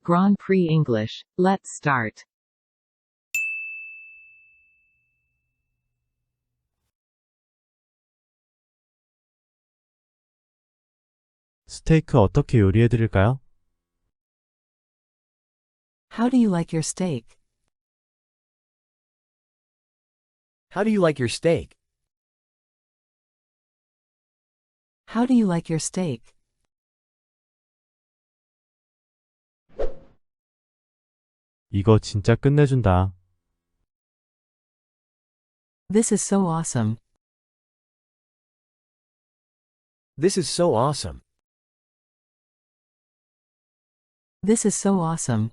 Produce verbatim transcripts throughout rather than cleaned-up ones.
Grand Prix English. Let's start. 스테이크 어떻게 요리해 드릴까요? How do you like your steak? How do you like your steak? How do you like your steak? 이거 진짜 끝내준다. This is so awesome. This is so awesome. This is so awesome.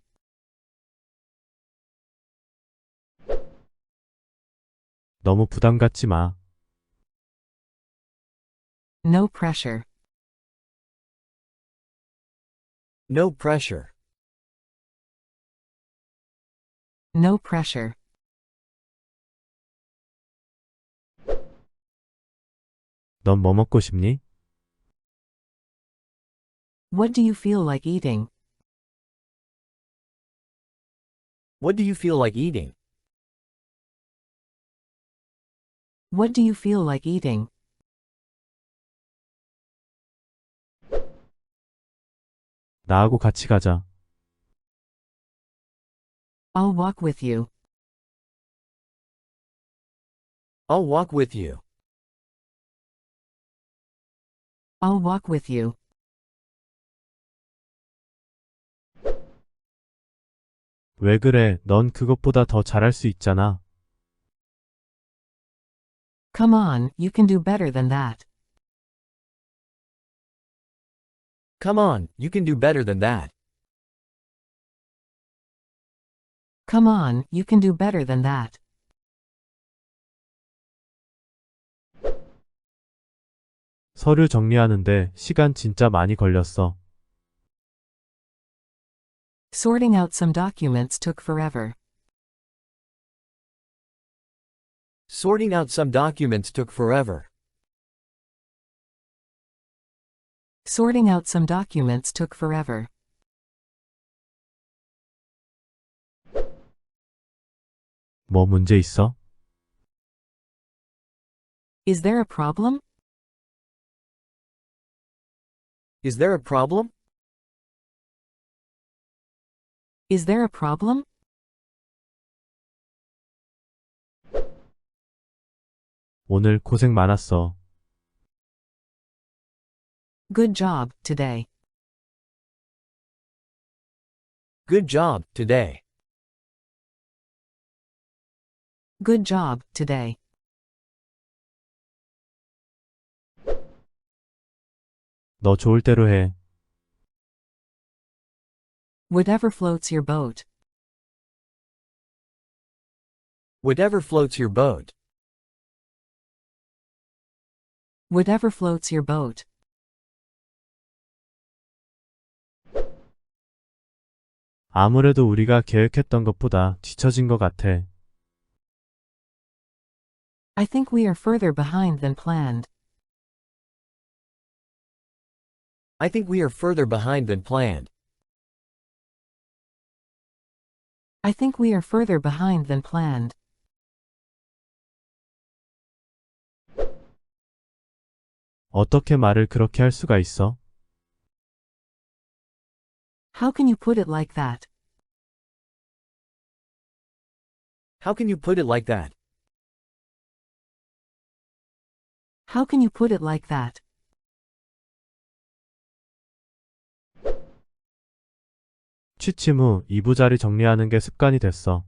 너무 부담 갖지 마. No pressure. No pressure. No pressure. 넌 뭐 먹고 싶니? What do you feel like eating? What do you feel like eating? What do you feel like eating? 나하고 같이 가자. I'll walk with you. I'll walk with you. I'll walk with you. 왜 그래? 넌 그것보다 더 잘할 수 있잖아. Come on, you can do better than that. Come on, you can do better than that. Come on, you can do better than that. 서류 정리하는데 시간 진짜 많이 걸렸어. Sorting out some documents took forever. Sorting out some documents took forever. Sorting out some documents took forever. 뭐 문제 있어? Is there a problem? Is there a problem? Is there a problem? 오늘 고생 많았어. Good job, today. Good job, today. Good job, today. 너 좋을 대로 해. Whatever floats your boat. Whatever floats your boat. Whatever floats your boat. 아무래도 우리가 계획했던 것보다 뒤처진 것 같아. I think we are further behind than planned. I think we are further behind than planned. I think we are further behind than planned. 어떻게 말을 그렇게 할 수가 있어? How can you put it like that? How can you put it like that? How can you put it like that? 취침 후 이부자리 정리하는 게 습관이 됐어.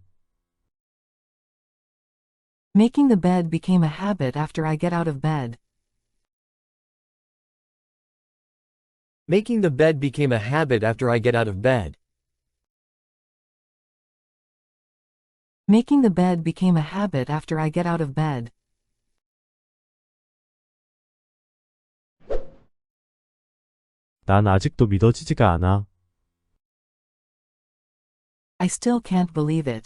Making the bed became a habit after I get out of bed. Making the bed became a habit after I get out of bed. Making the bed became a habit after I get out of bed. 난 아직도 믿어지지가 않아. I still can't believe it.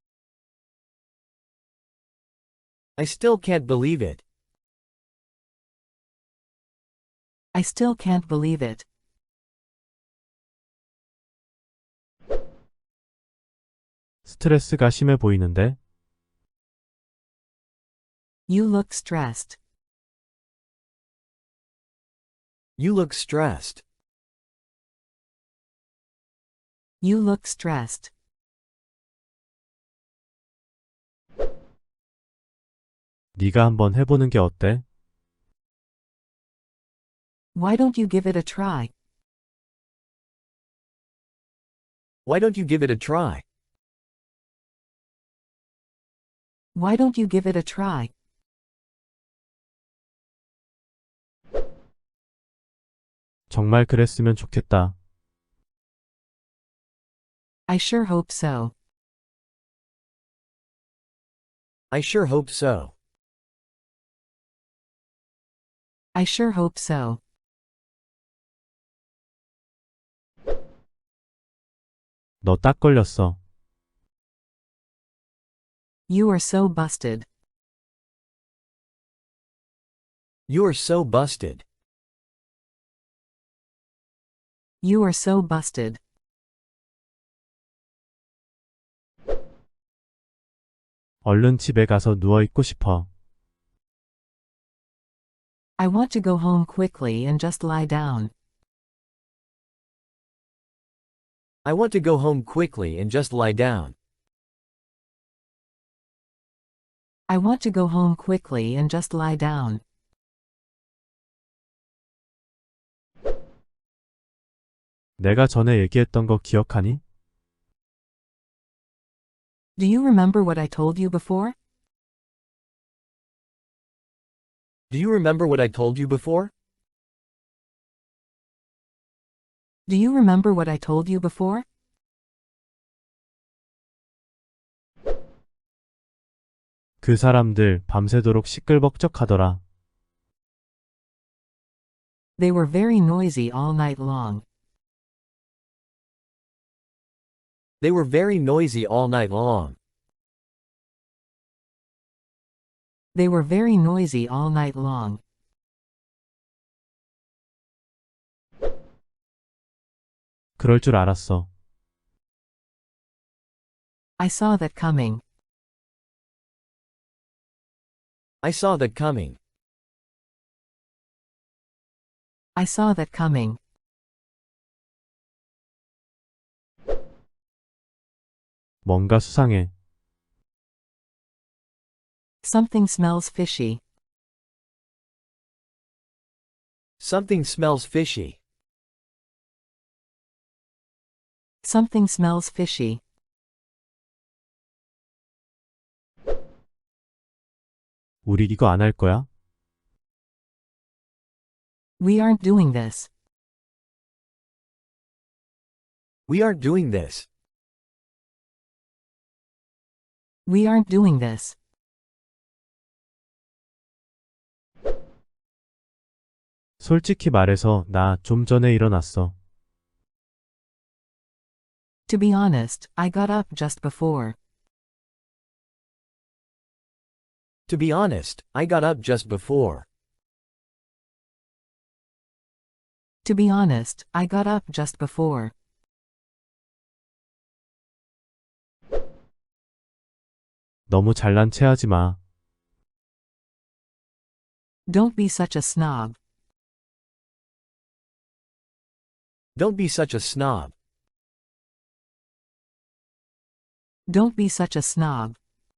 I still can't believe it. I still can't believe it. 스트레스가 심해 보이는데? You look stressed. You look stressed. You look stressed. 네가 한번 해보는 게 어때? Why don't you give it a try? Why don't you give it a try? Why don't you give it a try? 정말 그랬으면 좋겠다. I sure hope so. I sure hope so. I sure hope so. 너 딱 걸렸어. You are so busted. You are so busted. You are so busted. 얼른 집에 가서 누워있고 싶어. I want to go home quickly and just lie down. I want to go home quickly and just lie down. I want to go home quickly and just lie down. 내가 전에 얘기했던 거 기억하니? Do you remember what I told you before? Do you remember what I told you before? Do you remember what I told you before? 그 사람들 밤새도록 시끌벅적하더라. They were very noisy all night long. They were very noisy all night long. They were very noisy all night long. 그럴 줄 알았어. I saw that coming. I saw that coming. I saw that coming. 뭔가 수상해. Something smells fishy. Something smells fishy. Something smells fishy. 우리 이거 안 할 거야? We aren't doing this. We aren't doing this. We aren't doing this. 솔직히 말해서 나 좀 전에 일어났어. To be honest, I got up just before. To be honest, I got up just before. To be honest, I got up just before. 너무 잘난 체하지 마. Don't be such a snob. Don't be such a snob. Don't be such a snob.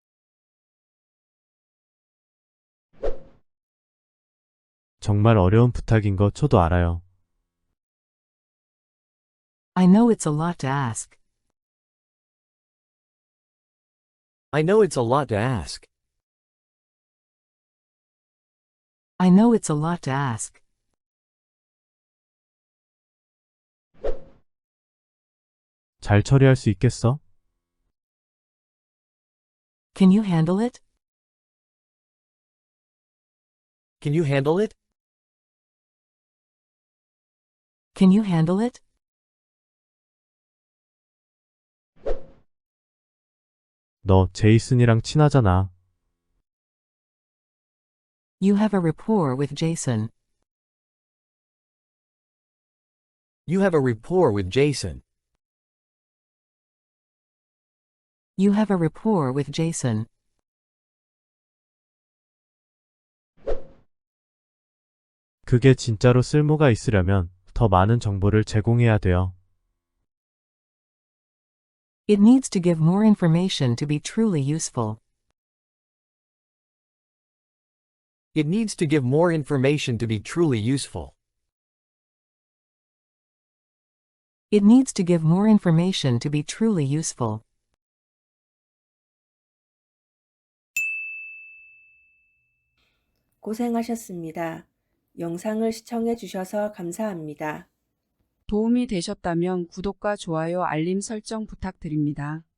정말 어려운 부탁인 거 저도 알아요. I know it's a lot to ask. I know it's a lot to ask. I know it's a lot to ask. 잘 처리할 수 있겠어? Can you handle it? Can you handle it? Can you handle it? 너 제이슨이랑 친하잖아. You have a rapport with Jason. You have a rapport with Jason. You have a rapport with Jason. 그게 진짜로 쓸모가 있으려면 더 많은 정보를 제공해야 돼요. It needs to give more information to be truly useful. It needs to give more information to be truly useful. It needs to give more information to be truly useful. 고생하셨습니다. 영상을 시청해 주셔서 감사합니다. 도움이 되셨다면 구독과 좋아요 알림 설정 부탁드립니다.